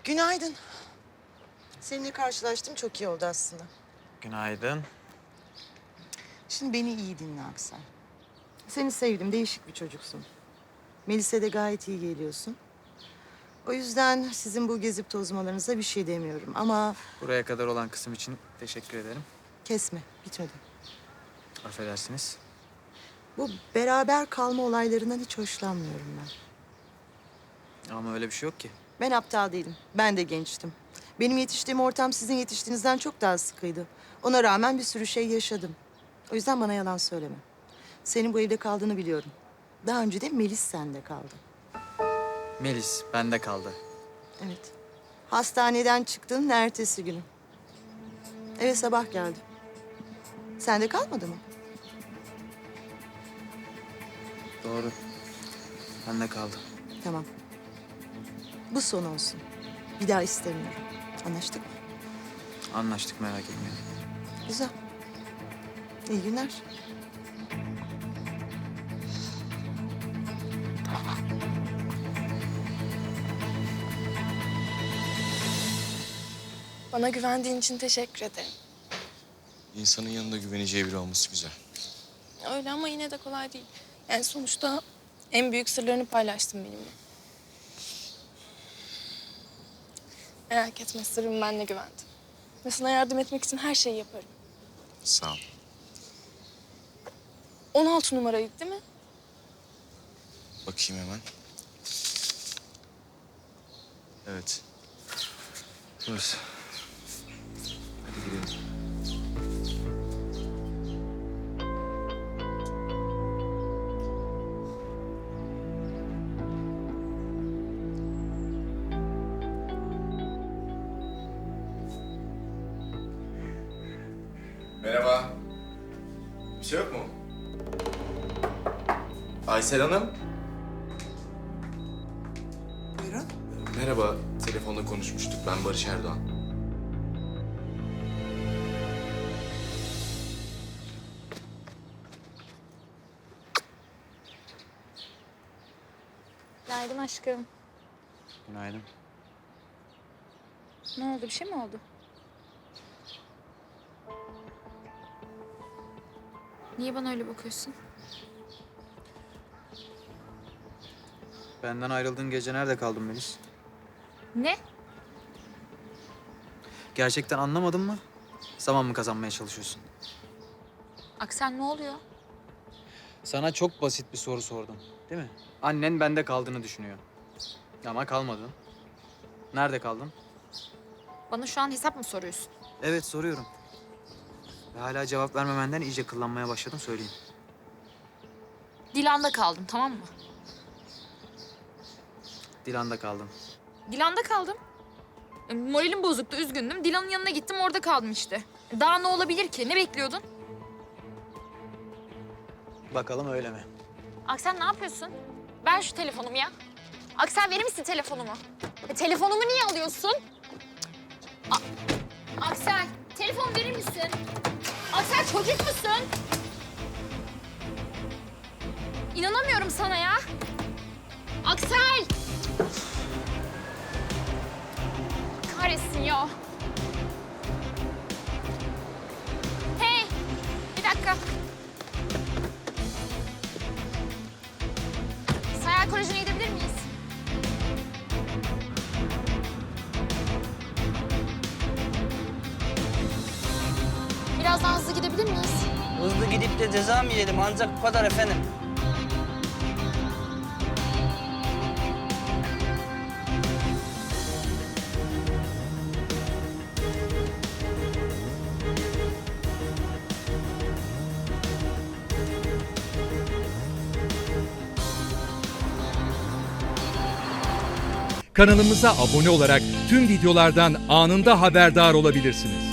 Günaydın. Seninle karşılaştım, çok iyi oldu aslında. Günaydın. Şimdi beni iyi dinle Aksel. Seni sevdim, değişik bir çocuksun. Melis'e de gayet iyi geliyorsun. O yüzden sizin bu gezip tozmalarınıza bir şey demiyorum ama... Buraya kadar olan kısım için teşekkür ederim. Kesme, bitmedi. Affedersiniz. Bu beraber kalma olaylarından hiç hoşlanmıyorum ben. Ama öyle bir şey yok ki. Ben aptal değilim, ben de gençtim. Benim yetiştiğim ortam sizin yetiştiğinizden çok daha sıkıydı. Ona rağmen bir sürü şey yaşadım. O yüzden bana yalan söyleme. Senin bu evde kaldığını biliyorum. Daha önce de Melis sende kaldı. Melis bende kaldı. Evet. Hastaneden çıktığın ertesi günü. Eve sabah geldi. Sende kalmadı mı? Doğru. Bende kaldı. Tamam. Bu son olsun. Bir daha istemiyorum. Anlaştık mı? Anlaştık, merak etmeyin. Güzel. İyi günler. Bana güvendiğin için teşekkür ederim. İnsanın yanında güveneceği biri olması güzel. Öyle ama yine de kolay değil. Yani sonuçta en büyük sırlarını paylaştın benimle. Merak etme, sırrım benle güvendi. Ve sana yardım etmek için her şeyi yaparım. Sağ ol. 16 numaraydı değil mi? Bakayım hemen. Evet. Burası. Hadi gidelim. Merhaba. Bir şey yok mu? Aysel Hanım. Buyurun. Merhaba. Telefonda konuşmuştuk. Ben Barış Erdoğan. Günaydın aşkım. Günaydın. Ne oldu? Bir şey mi oldu? Niye bana öyle bakıyorsun? Benden ayrıldığın gece nerede kaldın Melis? Ne? Gerçekten anlamadın mı? Zaman mı kazanmaya çalışıyorsun? Aksel ne oluyor? Sana çok basit bir soru sordum, değil mi? Annen bende kaldığını düşünüyor. Ama kalmadın. Nerede kaldın? Bana şu an hesap mı soruyorsun? Evet, soruyorum. Ve hala cevap vermemenden iyice kıllanmaya başladım, söyleyeyim. Dilan'da kaldım, tamam mı? Dilan'da kaldın. Dilan'da kaldım. Moralim bozuktu, üzgündüm. Dilan'ın yanına gittim, orada kaldım işte. Daha ne olabilir ki? Ne bekliyordun? Bakalım öyle mi? Aksel ne yapıyorsun? Ver şu telefonumu ya. Aksel verir misin telefonumu? Telefonumu niye alıyorsun? Aksel, telefon verir misin? Aksel çocuk musun? İnanamıyorum sana ya. Aksel! Kahretsin ya. Hey, bir dakika. Sayar Koleji'ne gidebilir miyiz? Biraz daha hızlı gidebilir miyiz? Hızlı gidip de ceza mı yiyelim? Ancak bu kadar efendim. Kanalımıza abone olarak tüm videolardan anında haberdar olabilirsiniz.